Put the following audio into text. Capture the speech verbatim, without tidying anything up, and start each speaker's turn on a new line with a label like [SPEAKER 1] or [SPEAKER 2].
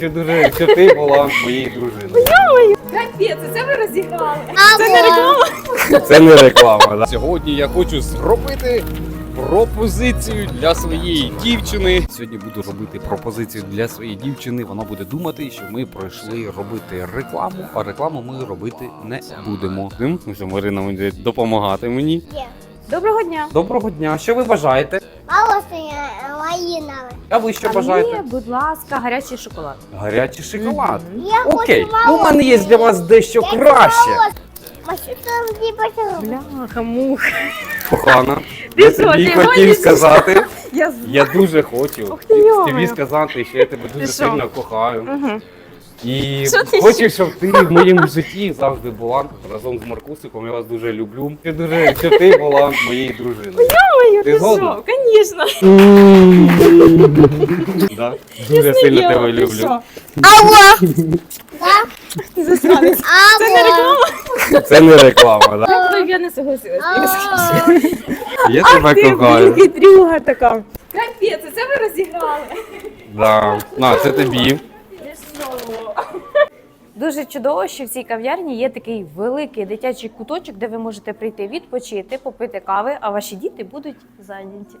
[SPEAKER 1] Чи дуже, що ти була моєю дружиною.
[SPEAKER 2] Капець, це ви розіграли.
[SPEAKER 3] Це не реклама.
[SPEAKER 1] Це не реклама. Да? Сьогодні я хочу зробити пропозицію для своєї дівчини. Сьогодні буду робити пропозицію для своєї дівчини. Вона буде думати, що ми пройшли робити рекламу, а рекламу ми робити не будемо. Тим, що Марина буде допомагати мені.
[SPEAKER 3] Є.
[SPEAKER 2] Доброго дня.
[SPEAKER 1] Доброго дня. Що ви бажаєте?
[SPEAKER 3] Малосиня малинове.
[SPEAKER 1] А ви що
[SPEAKER 2] А
[SPEAKER 1] бажаєте?
[SPEAKER 2] мені, будь ласка, гарячий шоколад.
[SPEAKER 1] Гарячий шоколад.
[SPEAKER 3] Я
[SPEAKER 1] Окей,
[SPEAKER 3] хочу
[SPEAKER 1] ну, у мене є для вас дещо краще.
[SPEAKER 2] Бляха, мух.
[SPEAKER 1] Кохана,
[SPEAKER 2] Ти
[SPEAKER 1] я
[SPEAKER 2] що,
[SPEAKER 1] тобі
[SPEAKER 2] ти
[SPEAKER 1] хотів
[SPEAKER 2] гониш?
[SPEAKER 1] сказати.
[SPEAKER 2] Я
[SPEAKER 1] Я дуже хочу
[SPEAKER 2] Ух ти, йо-моє.
[SPEAKER 1] тобі сказати, що я тебе дуже
[SPEAKER 2] Ти що?
[SPEAKER 1] сильно кохаю.
[SPEAKER 2] Угу.
[SPEAKER 1] І
[SPEAKER 2] Що ти
[SPEAKER 1] хочу, щоб ти в моєму житті завжди була разом з Маркусиком. Я вас дуже люблю. Що дуже, що ти була моєю дружиною.
[SPEAKER 2] Ой,
[SPEAKER 1] Ти
[SPEAKER 2] ти
[SPEAKER 1] згодна?
[SPEAKER 2] що? Звісно.
[SPEAKER 1] Да? Дуже сильно тебе люблю.
[SPEAKER 3] Алло.
[SPEAKER 2] Ти засранець. Це не
[SPEAKER 3] Алло.
[SPEAKER 2] реклама.
[SPEAKER 1] Це не реклама, да?
[SPEAKER 2] Ой, я не согласилась.
[SPEAKER 1] Я тебе
[SPEAKER 2] Ти, блін,
[SPEAKER 1] кохаю.
[SPEAKER 2] хитрюга така. Капець, це ви розіграли.
[SPEAKER 1] Да. На, це тобі.
[SPEAKER 2] Дуже чудово, що в цій кав'ярні є такий великий дитячий куточок, де ви можете прийти відпочити, попити кави, а ваші діти будуть зайняті.